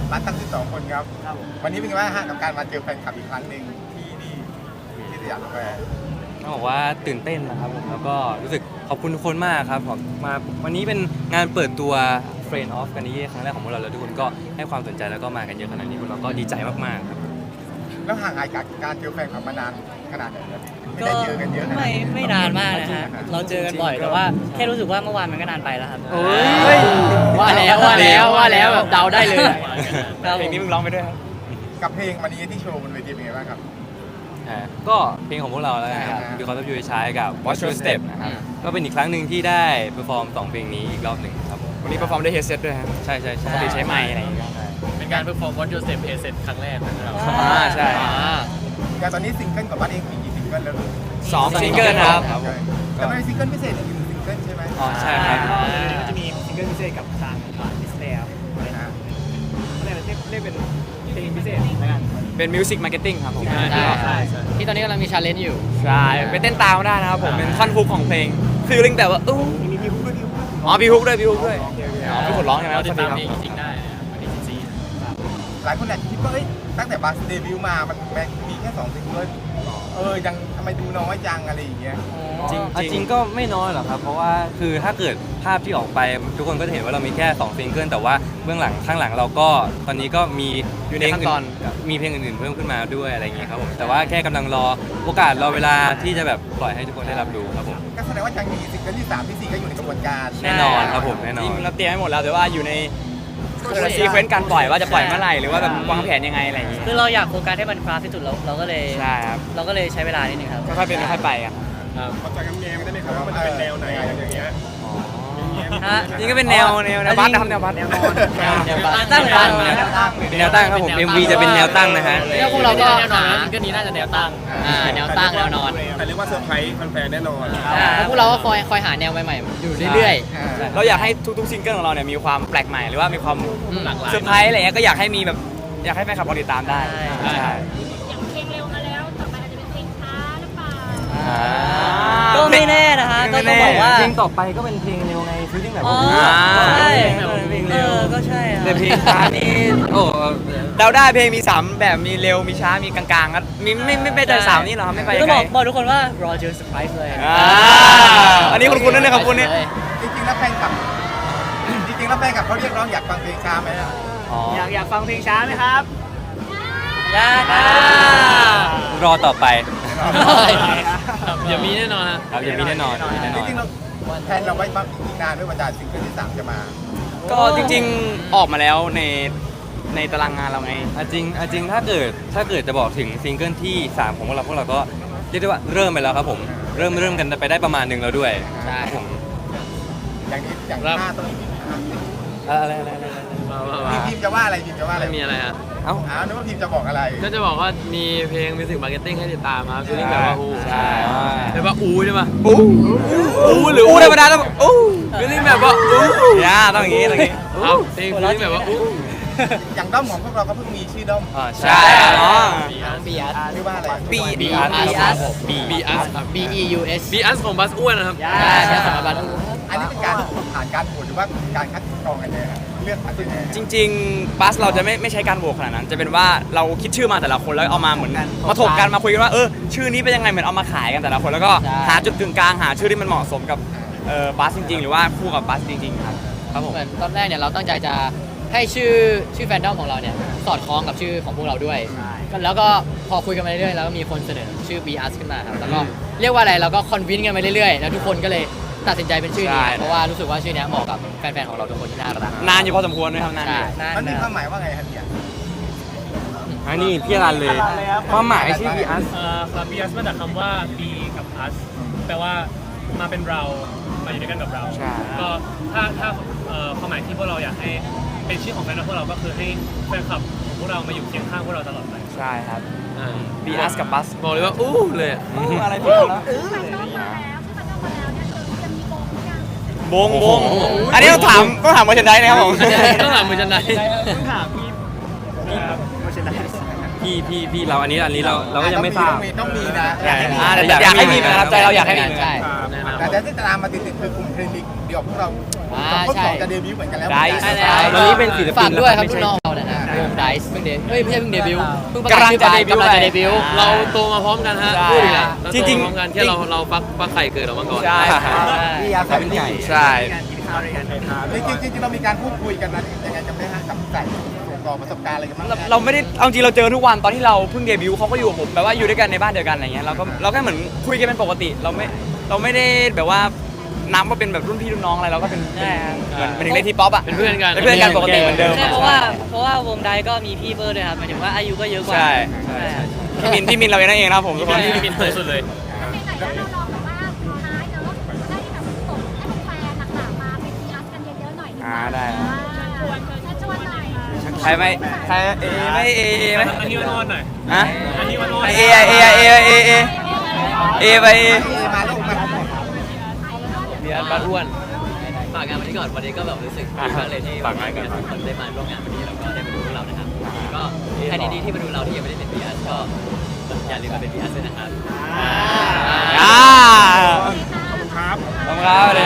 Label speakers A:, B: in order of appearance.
A: ร้านตั้ง12 คนครับวันนี้เป็นไงบ้างฮะกับการมาเจอแฟนคลับอีกครั้งหนึ่งที่นี่ที่สยามสแควร์
B: ต้องบอกว่าตื่นเต้นนะครับผมแล้วก็รู้สึกขอบคุณทุกคนมากครับผมมาวันนี้เป็นงานเปิดตัว Friend of กันนี้ครั้งแรกของพวกเราแล้วทุกคนก็ให้ความสนใจแล้วก็มากันเยอะขนาดนี้พวกเราก็ดีใจมากๆครับ
A: แล้วห่างหายจากการเจอแฟนคลับมานานขนาดไหนครับไม่ได้เจอกันเยอะขนาด
C: ไม่นานมากนะฮะเราเจอกันบ่อยแต่ว่าแค่รู้สึกว่าเมื่อวานมันก็นานไปแล้วครับ
B: โอ้ย
C: ว่าแล้วแบบเดาได้เลยครับ
B: เพลงนี้มึงร้องไปด้วยครับ
A: กับเพลงวันนี้ที่โชว์บนเวทีเป็นไงบ้างครับ
B: ก็เพลงของพวกเราแล้วนะครับ Because of You ใช้กับ Watch Your Step นะครับก็เป็นอีกครั้งหนึ่งที่ได้เปอร์ฟอร์ม2เพลงนี้อีกรอบหนึ่งครับผมวันนี้เปอร์ฟอร์มด้วยเฮดเซตด้วยครับใช่ใช่ใช่ใช้ไมค์อะไรอย่างเงี้ย
D: เป็นการเพอร์ฟอร์มวอตยูเซฟเอเซครั้งแรกนะครับ
B: ใช่
A: แต่ตอนนี้ซิงเกิลกับบัสเองมีกี่ซิงเกิลแล้วลูก
B: 2ซิงเกิลครับ
A: แต่ไม่มีซิงเกิลพิเศษอีก1ซิงเกิลใช่ไหม
B: อ๋อใช่ครับ
D: ก็จะมีซิงเกิลพิเศษกับทางดิสเนย์เรียกเป็นเพลงพิเศษแล้วกัน
B: เป็นมิวสิกมาร์เก็ตติ้งครับผม
D: ใช่
C: ที่ตอนนี้กำลังมีชาเลนจ์อยู่
B: ใช่ไปเต้นตามได้นะครับผมเป็นท่อนฮุกของเพลงฟีลลิ่งแบบว่าอู้
A: มีพี่ฮุกด้วยพี่ฮุกด้วย
B: อ๋อพี่ฮุกด้วยพี่ฮุกด้วยอ๋อพี่คนร้องใช่ไหม
D: เราติดตาม
B: ครับ
D: เพลงจริงได้วันที่14
A: หลายคนอาจจะคิดว่าเอ้ยตั้งแต่บัสเดบิวต์มามันมีแค่2ซิงเกิลยังทำไมดูน้อยจังอะไรอย่างเงี้ย
B: จริงก็ไม่น้อยหรอกครับเพราะว่าคือถ้าเกิดภาพที่ออกไปทุกคนก็จะเห็นว่าเรามีแค่2ซิงเกิลแต่ว่าเบื้องหลังข้างหลังเราก็ตอนนี้ก็มีเพลงอื่นมีเพลงอื่นๆเพิ่มขึ้นมาด้วยอะไรอย่างเงี้ยครับผมแต่ว่าแค่กำลังรอโอกาสรอเวลาที่จะแบบปล่อยให้ทุกคนได้รับรู้ครับผม
A: ก็แสดงว่ายังมีซิงเกิลที่3ที่4ก็อยู่ในกระบวนการ
B: แน่นอนครับผมแน่นอน
E: จริงเราเตรียมให้หมดแล้วแต่ว่าอยู่ในซีเควนต์การปล่อยว่าจะปล่อยเมื่อไหร่หรือว่าแบบวางแผนยังไงอะไรอย่างงี้
C: คือเราอยากโฟกัสให้มันคลาสที่สุดเราก็เลย
E: ใช่ครับ
C: เราก็เลยใช้เวลานิดนึงครับ
E: ค่อยๆเป็นค่อยๆไปกัน
A: พอจะกำแงได้ไหมครับว่ามันจะเป็นแนวไหนอย่างเงี้ย
C: ฮะ
E: นี่ก็เป็นแนวบัสนะครับแนวบัสแนวนอน
C: ตั้งร้าน
B: แนวตั้งครับผม MV จะเป็นแนวตั้งนะฮะ
C: แล้วพวกเราก็
D: แนวนอนซิงเกิลนี้น่าจะแนวตั้ง
C: แนวตั้งแนวนอน
A: แต่เรียกว่าเซอร์ไพรส์แฟนๆแน่นอน
C: แล้วพวกเราก็คอยหาแนวใหม่ๆอยู่เรื่อย
E: เราอยากให้ทุกๆซิงเกิลของเราเนี่ยมีความแปลกใหม่หรือว่ามีความ
D: หลากหลาย
E: เซอร์ไพรส์อะไรเงี้ยก็อยากให้มีแบบอยากให้แฟนคลับเราติดตามได้ใช่
F: อย่างเพลงเร็วมาแล้ว ต่อไปอาจจะเป็นเพลงช้าหรือเปล่า
C: ๆก็ไม่แน่นะฮะก็ต้องบอกว่า
B: เพลงต่อไปก็เป็นเพลงเร็วไงฟีลลิ่งแบบ
C: อ๋อ
B: ว่า
C: ใช่
B: เพลงเร็ว
C: ก็ใช่ครับ
B: แต่เพลงช้านี่โอ้
E: เราได้เพลงมี3แบบมีเร็วมีช้ามีกลางๆก็มีไม่ไปแต่สาวนี่เหรอครับไม่ไป
C: ก็
E: ยัง
C: บ
E: ไง
C: อกทุกคนว่ารอเจอเซอร์ไพรส์เลย
E: อันนี้คุณนั่นนะครับคุณนี่
A: จริงๆแล้วแฟนคลับเขาเรียกร้องอยากฟังเพลงช้าไหมล่ะ
D: อยากฟังเพลงช้าไหมครับ
C: ยากนะ
B: รอต่อไป
D: เดี๋ยวมีแน่นอนฮะ
B: ครับยังมีแน่นอนมีแน่น
A: จ
B: อน
A: ริงๆเราแทนเราไว้บ้างอีกนานด้วยว่าจะซิงเกิลที่3จะมา
E: ก็จริงๆออกมาแล้วในตารางงานเราไง
B: จริงถ้าเกิดจะบอกถึงซิงเกิลที่3ของพวกเราก็เรียกได้ว่าเริ่มไปแล้วครับผมเริ่มกันไปได้ประมาณหนึ่งแล้วด้วย
C: ใช่
B: ผม
A: อย่างนี้อย่างหน้าต้องมี
B: อะไร
A: พิมจะว่าอะไรพิมจะว่าอะไร
D: ไม่มีอะไรฮะ
B: เอ้า
A: นึกว่าพิมจะบอกอะไร
D: ก็จะบอกว่ามีเพลงมิวสิกมาร์เก็ตติ้งให้ติดตามครับฟีลลิ่งแบบว่าอู
B: ใช่
D: แบบว่าอูใช่ปะ
E: อู้หรืออู้ธรรมดาแล้วอู้
D: ฟีลลิ่งแบบว่าอู
E: ย่าต้องอย่างงี้ต้องอย่างงี้
D: ครับเพลงฟีลลิ่งแบบว่าอู
A: อย่างด้อมของพวกเราก็เพิ่งมีชื่อด้อม
B: ใช่
E: เนาะ
C: บีอัส
A: ชื่อว่าอะไร
E: บี
B: อาร์ต
D: บีอัสครับ
C: B E U S
D: บีอัสของบัสอ้วนนะครับ
C: ใช่ใช่สำหรับบัตร
A: อันนี้เป็นการผ่านการโหวตหรือว่าการคัดกรองกันเนี่ยเลือกคัดยังไง
E: จริงๆบัสเราจะไม่ใช้การโหวตขนาดนั้น จะเป็นว่าเราคิดชื่อมาแต่ละคนแล้วเอามาเหมือนมาถกกันมาคุยกันว่าชื่อนี้เป็นยังไงเหมือนเอามาขายกันแต่ละคนแล้วก็หาจุดกึ่งกลางหาชื่อที่มันเหมาะสมกับบัสจริงๆ หรือว่าคู่กับบัสจริงๆครับผม
C: เหมือนตอนแรกเนี่ยเราตั้งใจจะให้ชื่อแฟนดอมของเราเนี่ยสอดคล้องกับชื่อของพวกเราด้วยแล้วก็พอคุยกันมาเรื่อยๆแล้วก็มีคนเสนอชื่อ B U S ขึ้นมาครับแล้วก็เรียกว่าอะไรเราก็คอนวินกันไปเรื่อยๆแล้วทุกคนก็เลยตัดสินใจเป็นชื่อนี้เพราะว่ารู้สึกว่าชื่อนี้เหมาะกับแฟนๆของเราทุกคนที่น่ารัก
E: นานอยู่พอสมควรด้วยครับนานอยู่
A: มันมีความหมายว่าไงครับเนี่ย
B: อันนี้พี่รันเลยความหมายชื่อพีอาร์
D: ครับบีอัสมาจากคำว่า B กับ us แปลว่ามาเป็นเรามาอยู่ด้วยกันกับเรา
E: ใช่
D: ก็ถ้าความหมายที่พวกเราอยากให้เป็นชื่อของแฟนคลับพวกเราก็คือให้แฟนคลับของพวกเรามาอยู่เคียงข้างพวกเราตลอดไป
E: ใช่ครับ B U S กับบัส
D: บอกเลยว่าอู้เลยอะ
E: อะไรผิดแล้ว
F: มันต้องมาแล้วที่มันต้องมาแล้วเนี่ยจะมีโบงหรือยัง
E: บงอันนี้ต้องถามเวอร์ชันใดนะครับผม
D: ต้องถามมือจันได
B: พี่เราอันนี้เราก็ยังไม่ทราบ
A: ต้องมีนะ
E: แต่อยากให้มีนะครับใจเราอยากให้มี
C: ใช่
A: แต่ที่ตามมาติดๆคือกลุ่มเพลงเดียวพวกเราคนสองจะเดบิวต์เหมือนกันแล้ว
E: ได้
C: ใช่แล้ว
B: ตอนนี้เป็นศิลปิน
C: ฝากด้วยครับ
B: ไม่
C: ลู
B: ใช่
C: กน้องเราเนี่ยนะวงไดซ์เพิ่งเดเอ้ยไม่ใช่เพิ่งเดบิวต์เพิ่งประ
E: กำ
C: กา
E: ลั
C: ศ
E: ง
C: ชื่อ
E: จะ
C: ไป
E: เดบิวต์
C: กำลังจะเดบิวต์
G: เราโตมาพร้อมกันฮะ
E: ใช่
G: พูดอีกแล้วเรา
E: จ
G: โต
E: ริงๆ
G: มาพร้อมกันแค่เราฟักไข่เกิดออกมาก่อน
E: ใช่ครับ
A: พี่อาร์ตเป็นไก่
E: ใช่
A: จริงๆเรามีการพูดคุยกันนะยังไงจำได้ฮะกับไก่ส่งต่อประสบการณ์อะไรกันบ้าง
E: เราไม่ได้เอาจริงเราเจอทุกวันตอนที่เราเพิ่งเดบิวต์เขาก็อยู่กับผมแบบว่าอยู่ด้วยกันในบ้านเดียวกันอะไรเงี้ยเราแค่เหมือนคุยกันเป็นปกติเราไม่ได้แบบว่านับว่าเป็นแบบรุ่นพี่รุ่นน้องอะไรเราก็เป็นเหมือนเป็นเล็กที่ป๊อปอะ
G: เป็นเพื่อนกัน
E: เป็นเพื่อนกันปกติเหมือนเดิม
H: ใช่เพราะว่าวงไดก็มีพี่เบอร์ด้วยครับหมายถึงว่าอายุก็เยอะกว่า
E: ใช่พี่มินเราเองนั่นเองนะครับผมทุกคน
G: พี่มินเคยสุดเลย
F: ไหนๆแล้วเราลองแบบว่าท้ายเนอะได้แบบส่งให้แฟนๆหนักๆมาเป็นพีอาร์กันเยอะๆหน่อยดีกว่า
E: ได้
F: ชวนหน่อย
E: ใครไม่ใครเอไม่เอไหม
D: อันนี้วันอ่อนหน่อย
E: ฮะ
D: อันนี้วันอ่อน
E: เอไปเอ
A: มาลูกมา
G: พี่อาร์ตบ้านอ้วน
C: ฝากงานวันนี้ก่อนวันนี้ก็แบบรู้สึกดีมากเลยที่
E: ฝากงานก่อน
C: ทุกคนได้มาร่วมงานวันนี้แล้วก็ได้มาดูพวกเรานะครับก็ใครดีๆที่มาดูเราที่ยังไม่ได้เป็นพีอาร์ก็อย่าลืมมาเป็นพีอาร์ด้วยนะครับ
E: ขอบคุณครับขอบคุณครับเลย